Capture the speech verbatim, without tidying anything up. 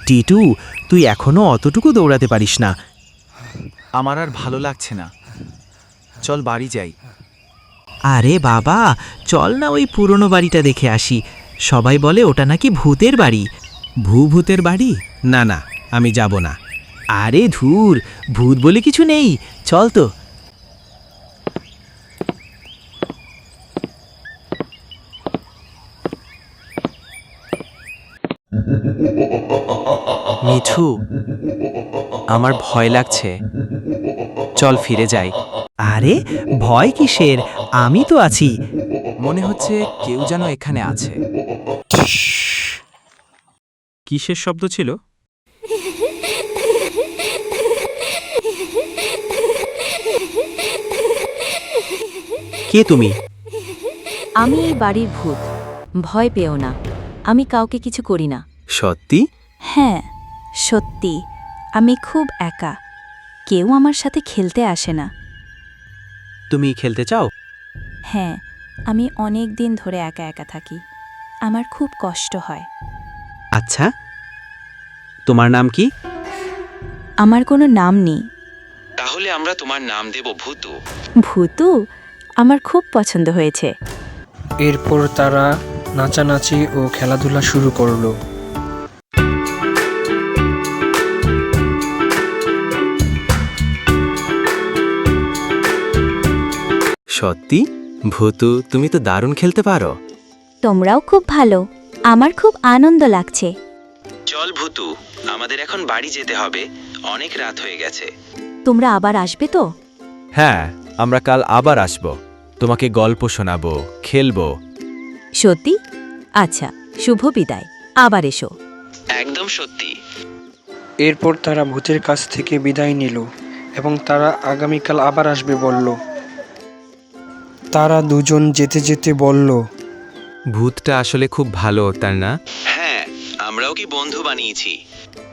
টিটু, তুই এখনো অতটুকু দৌড়াতে পারিস না। আমার আর ভালো লাগছে না, চল বাড়ি যাই। আরে বাবা, চল না ওই পুরনো বাড়িটা দেখে আসি। সবাই বলে ওটা নাকি ভূতের বাড়ি। ভূ ভূতের বাড়ি? না না, আমি যাব না। আরে ধুর, ভূত বলে কিছু নেই, চল তো। মিঠু, আমার ভয় লাগছে, চল ফিরে যাই। আরে ভয় কিসের, আমি তো আছি। মনে হচ্ছে কেউ যেন এখানে আছে। কিসের শব্দ ছিল? কে তুমি? আমি এই বাড়ির ভূত। ভয় পেও না, আমি কাউকে কিছু করি না। সত্যি? হ্যাঁ, সত্যি। আমি খুব একা, কেউ আমার সাথে খেলতে আসে না। তুমি খেলতে চাও? হ্যাঁ, আমি অনেক দিন ধরে একা একা থাকি, আমার খুব কষ্ট হয়। আচ্ছা, তোমার নাম কি? আমার কোনো নাম নেই। তাহলে আমরা তোমার নাম দেব ভূতু। ভূতু আমার খুব পছন্দ হয়েছে। এরপর তারা নাচানাচি ও খেলাধুলা শুরু করলো। সত্যি? ভূতু, তুমি তো দারুণ খেলতে পারো। তোমরাও খুব ভালো, আমার খুব আনন্দ লাগছে। চল ভূতু, আমাদের এখন বাড়ি যেতে হবে, অনেক রাত হয়ে গেছে। তোমরা আবার আসবে তো? হ্যাঁ, আমরা কাল আবার আসব, তোমাকে গল্প শোনাবো, খেলবো। সত্যি? আচ্ছা, শুভ বিদায়, আবার এসো। একদম সত্যি। এরপর তারা ভূতের কাছ থেকে বিদায় নিল এবং তারা আগামীকাল আবার আসবে বলল। তারা দুজন যেতে যেতে বলল, ভূতটা আসলে খুব ভালো, তার না? হ্যাঁ, আমরাও কি বন্ধু বানিয়েছি।